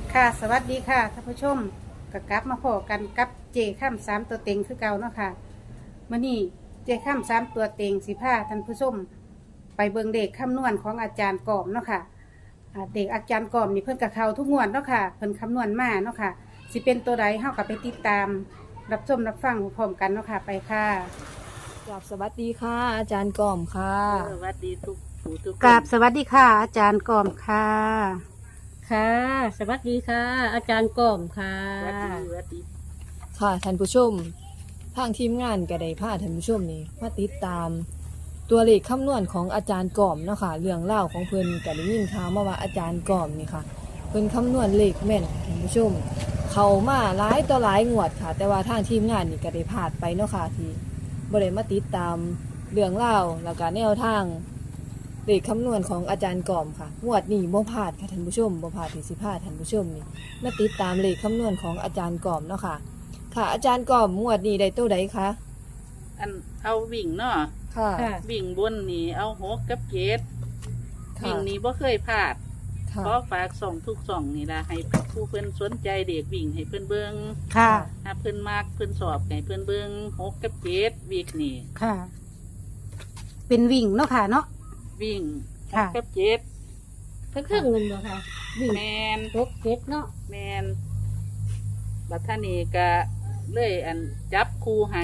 ค่ะสวัสดีค่ะท่านผู้ชมก็กลับมาพบกันกับเจข้ามสามตัวเต็งคือเก่าเนาะค่ะมื่อนี้เจข้ามสามตัวเต็งสิพาท่านผู้ชมไปเบิ่งเด็กคำนวณของอาจารย์กอมเนาะค่ะเด็กอาจารย์กอมนี่เพิ่นกับเขาทุกงวดเนาะค่ะเพิ่นคำนวณมาเนาะค่ะสิเป็นตัวใดเฮากับไปติดตาม รับชมรับฟังพร้อมกันเนาะค่ะไปค่ะกราบสวัสดีค่ะ อาจารย์ก่อมค่ะสวัสดีทุกผู้ทุกคนกราบสวัสดีค่ะ อาจารย์กอมค่ะค่ะ สวัสดีค่ะ อาจารย์ก่อมค่ะสวัสดีค่ะท่านผู้ชมทางทีมงานก็ได้พาท่านผู้ชมนี่มาติดตาม ตัวเลขคำนวณของอาจารย์ก่อมเนาะค่ะเรื่องเล่าวของเพิ่นก็ได้ยินข่าวมาว่าอาจารย์ก่อมนี่ค่ะเพิ่นคำนวณเลขแม่นท่านผู้ชม เข้ามาหลายต่อหลายงวดค่ะ แต่ว่าทางทีมงานนี่ก็ได้พลาดไปเนาะค่ะที่บ่ได้มาติดตามเรื่องเล่าวแล้วก็แนวทางเลขคำนวณของอาจารย์ก่อมค่ะงวดนี้บ่พลาดค่ะท่านผู้ชมบ่พลาดที่สิพาท่านผู้ชมนี่มาติดตามเลขคำนวณของอาจารย์ก่อมเนาะค่ะ ค่ะอาจารย์ก่อมงวดนี้ได้ตัวใดคะอันเอาวิ่งเนาะค่ะค่ะวิ่งบนนี่เอา6กับ7วิ่ค่ะงนี่บ่เคยพลาดค่ะขอฝากส่องทุกส่องนี่ล่ะให้ผู้เพิ่นสนใจเด็กวิ่งให้เพิ่นเบิ่งค่ะถ้าเพิ่นมักเพิ่นสอบให้เพิ่นเบิ่ง6กับ7วิ่งนี่ค่ะ เป็นวิ่งเนาะค่ะเนาะวิ่งค่ะ 6กับ7 เครื่องเงินบ่ค่ะวิ่งแมนรถเก็ตเนาะแมนบัดท่านี้ก็เลยอันจับคู่ให้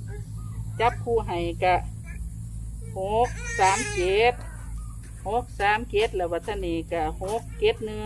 ก็6 3 7แล้วบัดท่านี้ก็6 7 1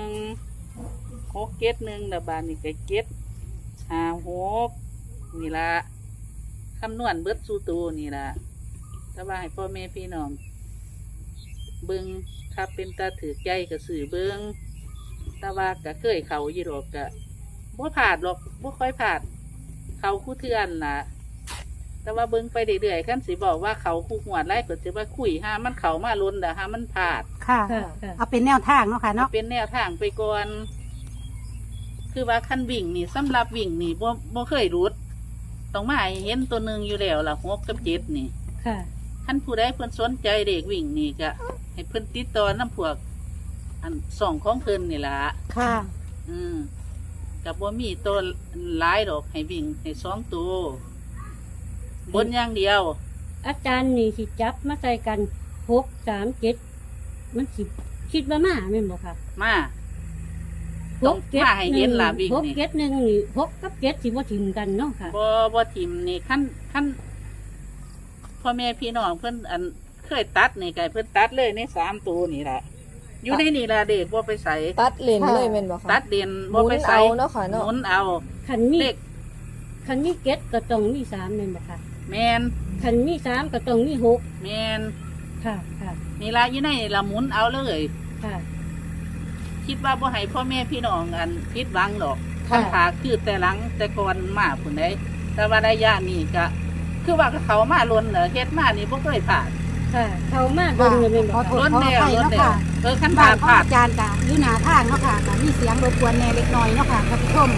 แล้วบาดนี้ก็7 5 6นี่ละคำนวณเบิดสู่ตัวนี่ละแต่ว่าให้พ่อแม่พี่น้องเบิ่งถ้าเป็นตาถือใจก็สื่อเบิ่งแต่ว่าก็เคยเขาอยู่ดอกก็บ่ผาดหรอกบ่ค่อยผาด เขาคู่เทือนล่ะ แต่ว่าเบิ่งไปเรื่อยๆขั้นสิบอกว่าเขาคู่หวดไล่ก็จะว่าคุยห้ามันเขามาล้นแต่ห้ามันผาดค่ะค่ะค่ะเอาเป็นแนวทางเนาะค่ะเนาะเป็นแนวทางไปก่อน คือว่าขั้นวิ่งนี่สำหรับวิ่งนี่บ่เคยรุดต้องมาให้เห็นตัวหนึ่งอยู่แล้วล่ะ6 กับ 7นี่ค่ะขั้นผู้ใดเพิ่นสนใจเด็กวิ่งนี่ก็ให้เพิ่นติดต่อน้ำพวก อันส่องของเพิ่นนี่ล่ะค่ะกับว่ามีตัวหลายดอกให้วิ่งให้2 ตัวบนอย่างเดียวอาจารย์นี่สิจับมาใส่กัน6 3 7มันสิคิดว่ามาแม่นบ่ค่ะมาต้องมาให้เห็นล่ะวิ่ง 6 นี่ 7 1นี่6กับ7สิบ่ทิมกันเนาะค่ะบ่ทิมนี่ขั้นพ่อแม่พี่น้องเพิ่นอันเคยตัดนี่ไก่เพิ่นตัดเลยใน3 ตัวนี่แหละอยู่ในนี่ล่ะเด็กบ่ไปใส่ตัดเลนเลยแม่นบ่คะตัดเด่นหบ่มุไปนใส่เอาเนาะค่ะหเนาะมุนเอาคันมีเลขคันมีเก็ตก็ต้องมี3แม่นบ่ค่ะแมนคันมี3ก็ต้องมี6 แมนค่ะค่ะนี่ล่ะอยู่ในละหมุนเอาเลยค่ะคิดว่าบ่ให้พ่อแม่พี่น้องอันผิดหวังดอกค่ะคันขาคือแต่หลังแต่ก่อนมาพุ่นได้แต่ว่าระยะนี้ก็คือว่าเขามาล้นเฮ็ดมานี่บ่เคยผ่านค่ะ เข้ามาเบิ่งเลยแม่นบ่ขอโทษค่ะล้นแล้วขออภัยล้นเนาะแล้วค่ะคันบ้าผ่าน นของผ่านอาจารย์กะอยู่หน้าทางเนาะค่ะก็มีเสียงรบกวนแหน่เล็กน้อยเนาะค่ะท่านผู้ชม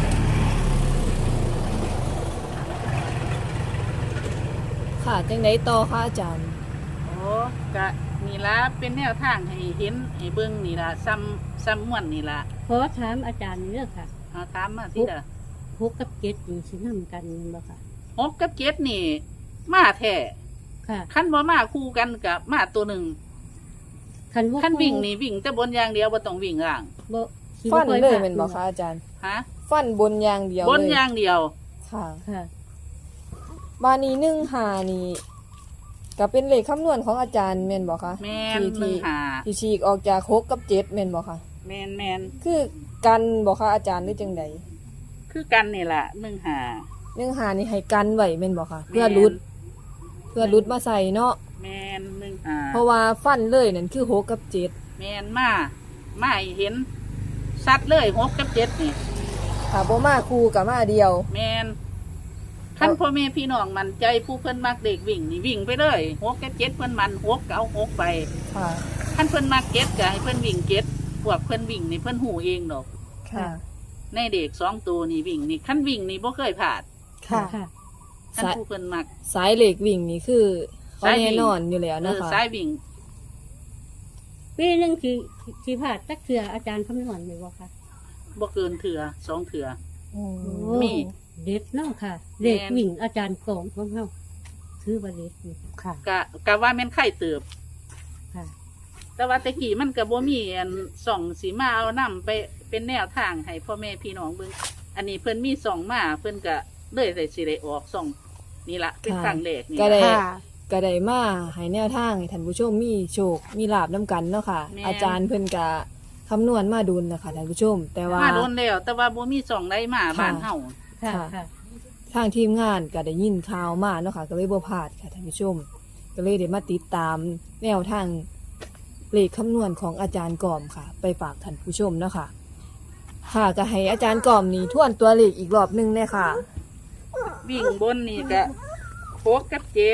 ค่ะจังไดต่อค่ะอาจารย์โอ้ก็นี่ล่ะเป็นแนวทางให้เห็นให้เบิ่งนี่ล่ะซ้ำม่วนนี่ล่ะขอถามอาจารย์เรื่องค่ะเอาถามมาสิเด้อ 6กับ7นี่สินำกันแม่นบ่ค่ะ 6กับ7นี่ มาแท้ค่ะคันบ่มาคู่กันกับมาตัวหนึ่งคันว่าคันวิ่งนี่วิ่งแต่บนอย่างเดียวบ่ต้องวิ่งล่างบ่สิฟันค่อเลยผ่าแม่นบ่คะอาจารย์ฮะฟันบนอย่างเดียวบนเลยอย่างเดียวค่ะค่ะบานี้1-5นี่ก็เป็นเลขคำนวณของอาจารย์แม่นบ่คะแม่นที่ 1 ที่ฉีกออกจาก6กับ7แม่นบ่คะ 5แม่นคือกันบ่คะอาจารย์หรือจังใดคือกันนี่ล่ะ1 5 1-5นี่ให้กันไว้แม่นบ่คะเพื่อหลุดมาใส่เนาะแม่นเพราะว่าฟันเลยนั่นคือ6กับ7 แม่นมาให้เห็นสัดเลย6กับ7นี่ถ้าบ่มาคู่กับมาเดียวแม่นคันพ่อแม่พี่น้องมันใจผู้เพิ่นมักเด็กวิ่งนี่วิ่งไปเลย6กับ7เพิ่นมัน6ก็เอา6ไปค่ะคันเพิ่นมัก7ก็ให้เพิ่นวิ่ง7พวกเพิ่นวิ่งนี่เพิ่นหูเองดอกค่ะในเด็ก2 ตัวนี่วิ่งนี่คันวิ่งนี่บ่เคยผ่านค่ะค่ะคันผู้เพิ่นมักสายเหล็กวิ่งนี่คือเขาสายวิ่งแน่นอนอยู่แล้วนะคะสายวิ่งปีหนึงสิพลาดจักเทื่ออาจารย์คำนวณอยู่บ่ค่ะบ่เกินเถื่อ2เถื่อโอ้มีเด็ดเนาะค่ะเลขวิ่งอาจารย์กล่อมของเฮาถือว่าเด็ดอยู่ค่ะกะว่าแม่นไข่เติบค่ะแต่ว่าแตะกี้มันก็บ่มีอันส่องสีมาเอานํไปเป็นแนวทางให้พ่อแม่พี่น้องเบิ่งอันนี้เพิ่นมีส่องมาเพิ่นก็เลยได้สิได้ออกส่องนี่ละเป็นครั้งแรกนี่ก็ได้ค่ะก็ได้มาให้แนวทางให้ท่านผู้ชมมีโชคมีลาบนํกันเนาะค่ะแม่นอาจารย์เพิ่นก็คำนวณมาดุลนะคะท่านผู้ชม แต่ว่ามาโดนแล้วแต่ว่าบ่มีส่องใดมาบ้านเฮาค่ะค่ะค่ะทางทีมงานก็ได้ยินข่าวมาเนาะค่ะก็เลยบ่พลาดค่ะท่านผู้ชม ก็เลยได้มาติดตามแนวทางเลขคำนวณของอาจารย์กอมค่ะ ไปฝากท่านผู้ชมเนาะค่ะ ค่ะก็ให้อาจารย์กอมนี่ทวนตัวเลขอีกรอบหนึงเลยค่ะวิ่งบนนี่ก็6กับ7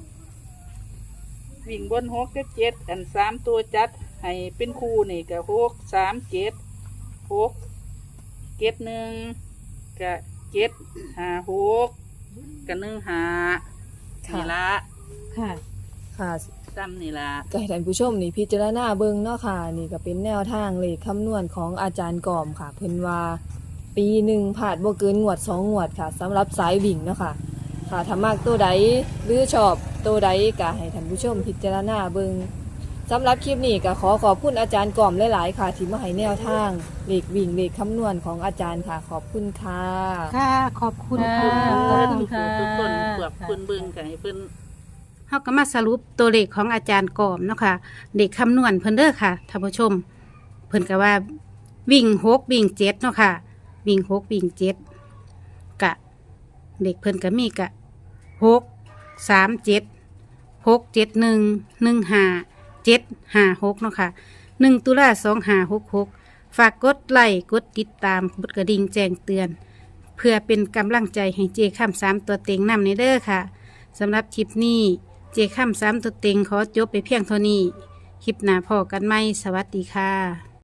วิ่งบน6กับ7อัน3ตัวจัดให้เป็นคู่นี่ก็6 3 7 6 7 1ก็7 5 6ก็1 5 ค่ะนี่ละค่ะค่ะซ้ำนี่ละก็ให้ท่านผู้ชมนี่พิจารณาเบิ่งเนาะค่ะ นี่ก็เป็นแนวทางเลขคำนวณของอาจารย์กอมค่ะ เพิ่นว่าปีหนึ่งผ่านบ่เกินงวด2งวดค่ะสำหรับสายวิ่งเนาะค่ะ ค่ะถ้ามากตัวใดหรือชอบตัวใดก็ให้ท่านผู้ชมพิจารณาเบิ่งสำหรับคลิปนี้ก็ขอขอบคุณอาจารย์กอมหลายๆค่ะ ที่มาให้แนวทางเลขวิ่งเลขคำนวณของอาจารย์ค่ะ ขอบคุณค่ะค่ะ ขอบคุณค่ะค่ะขอบคุณค่ะทุกคนเกือบเพิ่นเบิ่งกันให้เพิ่นเฮาก็มาสรุปตัวเลขของอาจารย์กอมเนาะค่ะเด็กคำนวณเพิ่นเด้อค่ะท่านผู้ชม เพิ่นก็ว่าวิ่ง6วิ่ง7เนาะค่ะ วิ่ง6วิ่ง7กะ เด็กเพิ่นก็มีกะ6 3 7 6 7 1 1 5 7 5 6เนาะค่ะ1 ตุลา2566 ฝากกดไลค์กดติดตามกดกระดิ่งแจ้งเตือน เพื่อเป็นกำลังใจให้เจค่ำ3ตัวเต็งนำในเด้อค่ะสำหรับคลิปนี้เจค่ำ3ตัวเต็งขอจบไปเพียงเท่านี้ คลิปหน้าพอกันไหมสวัสดีค่ะ